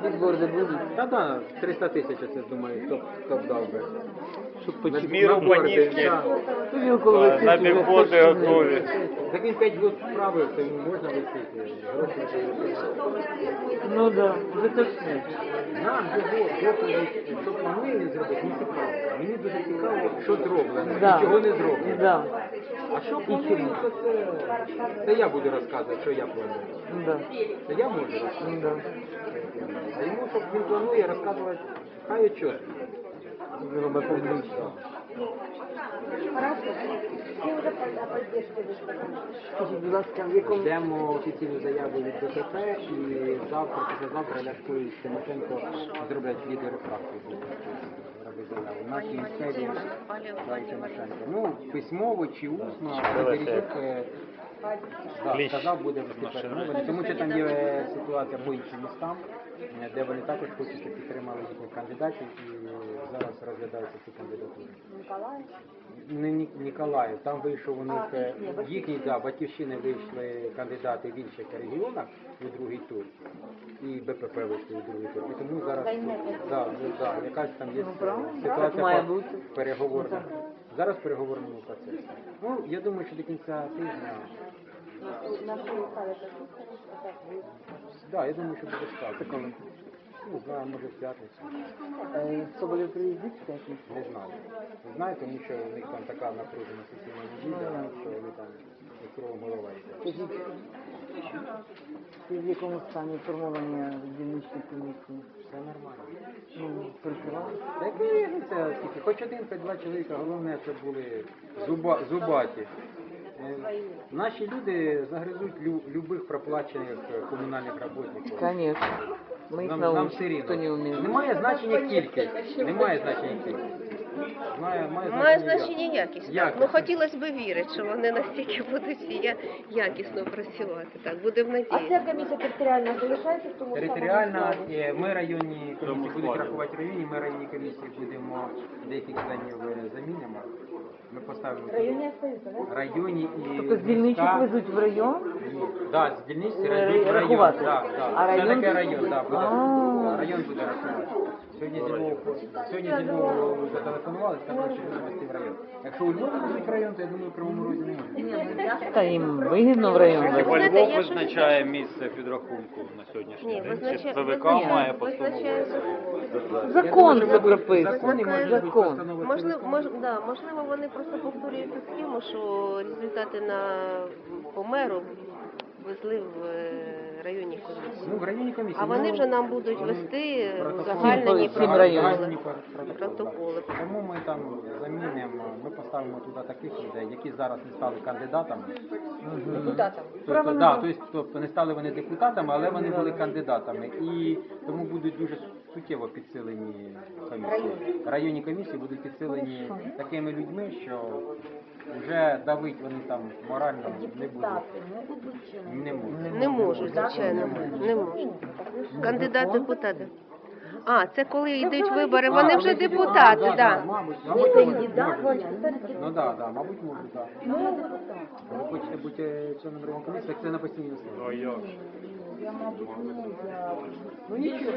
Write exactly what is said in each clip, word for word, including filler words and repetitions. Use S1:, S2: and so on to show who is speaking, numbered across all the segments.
S1: Бігборди будуть?
S2: Та да, триста тисяч, я це думаю, хто, хто б дав би.
S1: Щоб
S2: На-
S1: почути.
S3: Міру
S2: на борди,
S3: панівки.
S2: да.
S1: Тобі около
S3: На
S1: висить вже
S3: бігборди
S1: точно.
S3: готові.
S2: Так він п'ять років справив, то йому можна висити. Гроші дають.
S1: Ну да, вже точно.
S2: Нам його доповідь, що планує він зробити, не цікаво. Мені дуже цікаво, що зроблено
S1: Да.
S2: і чого не зроблено.
S1: Да.
S2: А що планується, це, це я буду розказувати, що я планую.
S1: Да.
S2: Це я можу розказати.
S1: Да.
S2: А йому, щоб він планує, розказувати, хай чітко.
S1: Зробимо публічно. Скажіть, будь ласка, в якому...
S2: Ждемо офіційну заяву від ДТП і завтра, післязавтра Ляшко і Тимошенко зроблять відеорефракцію. Робить заяву. Наші місцеві да, і Тимошенко. Ну, письмово чи усно, Березюк е, да,
S3: Кліщ.
S2: сказав, буде вести перемовини, тому що там є ситуація по іншим містам, е, де вони також хочуть, щоб підтримали їхніх кандидатів і зараз розглядаються ці кандидатури. Не Ні- Ніколаїв, там вийшов у них е, їхні, да, батьківщини вийшли кандидати в інших регіонах у другий тур, і БПП вийшли у другий тур. І тому зараз да, ну, да, якась там є
S1: Так
S2: ситуація
S1: має
S2: по-
S1: бути.
S2: переговорна. Зараз в переговорному процесі. Ну, я думаю, що до кінця тижня. Да, я думаю, що буде стати. Ну, знаю, може в п'ятницю.
S1: Е, Соболєв приїздить в п'ятницю?
S2: Не знаю. Не знаю, тому що у них там така напружена сесійна неділя, що вони там кругом голова йде.
S1: Скажіть, ти в якому стані формування дільничної комісії?
S2: Все нормально.
S1: Ну, прикривали?
S2: Так і ну, це тільки хоч один, хоч два чоловіка, головне, щоб були зуба, зубаті. Е, Наші люди загризуть лю, любих проплачених е, комунальних роботників.
S1: Конечно. Ми їх
S2: Нам, нам
S1: научимо,
S2: все рівно.
S1: хто не вміє.
S2: Немає значення кількість. Немає значення кількість. Має, має
S4: Має
S2: значення
S4: значення якість.
S2: Якість.
S4: Ну хотілося б вірити, що вони настільки будуть всі я- якісно працювати. Так, будемо
S5: А
S4: надіятися.
S5: ця комісія територіальна залишається в тому
S2: Територіальна,
S5: самому складі?
S2: е, ми районні комісії будуть
S3: складі.
S2: рахувати районні, ми районні комісії будемо деяких членів е, замінимо. Ми поставимо
S5: Районні остаються, так?
S2: районні і
S1: Тобто з дільничих
S2: міста.
S1: везуть в район?
S2: Так, з дільниць
S1: Е,
S2: район, район,
S1: рахувати.
S2: да, да.
S1: А
S2: Це
S1: район
S2: таке
S1: тут?
S2: район, да, буде.
S1: А.
S2: Район буде рахувати. Сьогодні зі Львова, сьогодні зі Львова зателефонували, сказали, що будуть вести в район. Якщо у Львові будуть район, то я думаю, в Кривому Розі не може.
S1: Та їм вигідно в район
S4: Ви
S1: везти.
S3: Хіба
S4: знаєте,
S3: Львов
S4: я щось-
S3: визначає місце підрахунку на сьогоднішній
S4: Ні,
S3: день?
S4: визначає-
S3: Чи ПВК
S4: визначає-
S3: має
S4: визначає
S3: постанову?
S1: Закон
S2: Я
S1: це
S2: думаю, що
S1: прописано.
S2: закони можуть бути
S1: Закон.
S2: постанови
S4: Можливо,
S2: ЦВК.
S4: мож, да, можливо, вони просто повторюють цю схему, що результати на по меру везли в е, районні комісії.
S2: Ну, в районній комісії.
S4: А вони
S2: ну,
S4: вже нам будуть
S2: вони
S4: вести
S2: протоколи-
S4: узагальнені
S1: Всім районам.
S2: Узагальнені
S4: протоколи.
S2: протоколи.
S4: протоколи.
S2: Тому ми там замінимо, ми поставимо туди таких людей, які зараз не стали кандидатами.
S5: Депутатам.
S2: Тобто, да, тобто, тобто не стали вони депутатами, але вони були кандидатами. І тому будуть дуже суттєво підсилені комісії. Районні комісії будуть підсилені такими людьми, що вже давить вони там морально не будуть.
S5: Депутати можуть бути чи не?
S2: Не можуть.
S4: Не можуть, звичайно, не можуть. Кандидат депутати. А, це коли йдуть вибори,
S2: А,
S4: вони вже
S2: вони тоді-
S4: депутати,
S2: да, да,
S4: так.
S2: Мабуть,
S5: Не
S2: мабуть,
S5: кандидат,
S2: можуть.
S5: а
S2: Ну так, да, мабуть, можуть, так.
S5: Ну, депутат.
S2: Ви хочете бути е, членом районної комісії, так це на постійній основі.
S3: А як?
S5: Я, мабуть, ні, я...
S2: Ну нічого.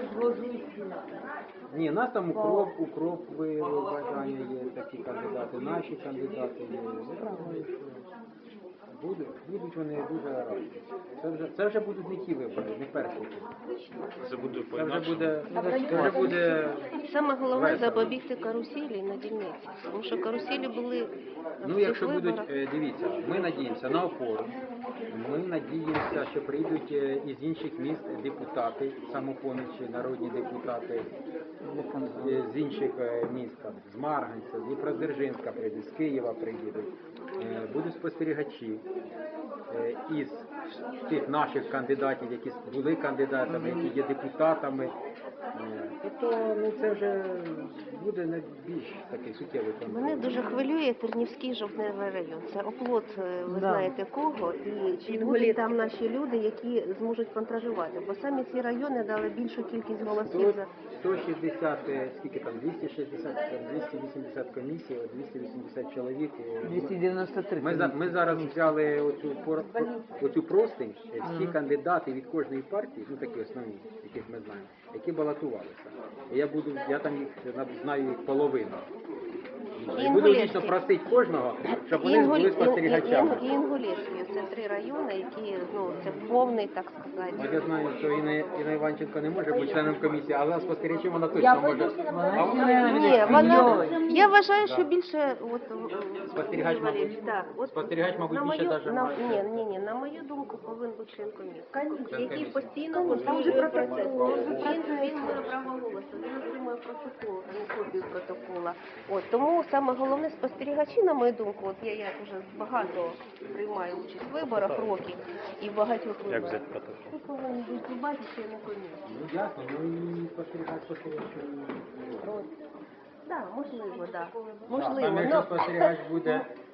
S2: Ні, нас там укроп, укроп виявив бажання є, такі кандидати, наші кандидати є. Ну, думаю, що Будуть, будуть вони дуже раді. Це вже, це вже будуть не ті вибори, не перші.
S3: Це буде
S2: Це вже
S3: по-інакшому.
S2: буде, це вже буде
S4: Саме головне
S2: Весело.
S4: запобігти каруселі на дільниці. Тому що каруселі були на
S2: Ну,
S4: всіх
S2: якщо будуть,
S4: виборах.
S2: е, дивіться, ми надіємося на опору, ми надіємося, що прийдуть е, із інших міст депутати, самопомічі, народні депутати, е, з інших е, міст, там, з Марганця, з Дніпродзержинська прийдуть, з Києва прийдуть, Е, будуть спостерігачі е, із тих наших кандидатів, які були кандидатами, які є депутатами, Е, Тобто ну, це вже буде найбільш такий суттєвий контроль.
S4: Мене дуже хвилює Тернівський жовтневий район. Це оплот, е, ви
S1: Да.
S4: знаєте кого, і чи будуть там наші люди, які зможуть контролювати. Бо самі ці райони дали більшу кількість голосів
S2: Сто-
S4: за
S2: сто шістдесят, е, скільки там, двісті шістдесят, там, двісті вісімдесят комісій, от двісті вісімдесят чоловік. е,
S1: двісті дев'яносто три.
S2: Ми, за, ми зараз взяли оцю, пор- оцю простинь, е, всі кандидати від кожної партії, ну такі основні, яких ми знаємо, які балотувалися. І я буду, я там їх на- знаю їх половину. І буду
S4: Інгулецький.
S2: дійсно просити кожного, щоб вони
S4: Інгуль-
S2: були
S4: Ін-
S2: спостерігачами.
S4: Ін- і Інгулецький. Це три райони, які ну це повний, так
S2: От
S4: сказати.
S2: я знаю, що Інна, Інна Іванченко не може бути членом комісії, але спостерігачем вона точно
S5: Я
S2: може.
S5: пойду
S2: А вона
S4: Ні, вона я вважаю, що більше от
S2: Спостерігач,
S4: Юрій Валерійович,
S2: мабуть,
S4: так, от
S2: спостерігач, мабуть,
S4: на
S2: більше
S4: мою,
S2: даже
S4: на,
S2: має.
S4: ні, ні, ні, на мою думку, повинен бути член комісії,
S2: Член
S4: який
S2: комісії.
S4: постійно контролює процес. Він, він має право голосу, він отримує протокол, а не копію протокола. От тому саме головне спостерігачі, на мою думку, от я як вже багато приймаю участь в виборах років і в багатьох
S3: Як
S4: виборах.
S3: взяти протокол?
S4: Тут повинен бути любати члени комісії.
S2: Ну ясно, ну і спостерігач, спостерігач.
S4: Так, можливо, так.
S2: Там,
S4: Можливо,
S2: якщо
S4: ну,
S2: спостерігач буде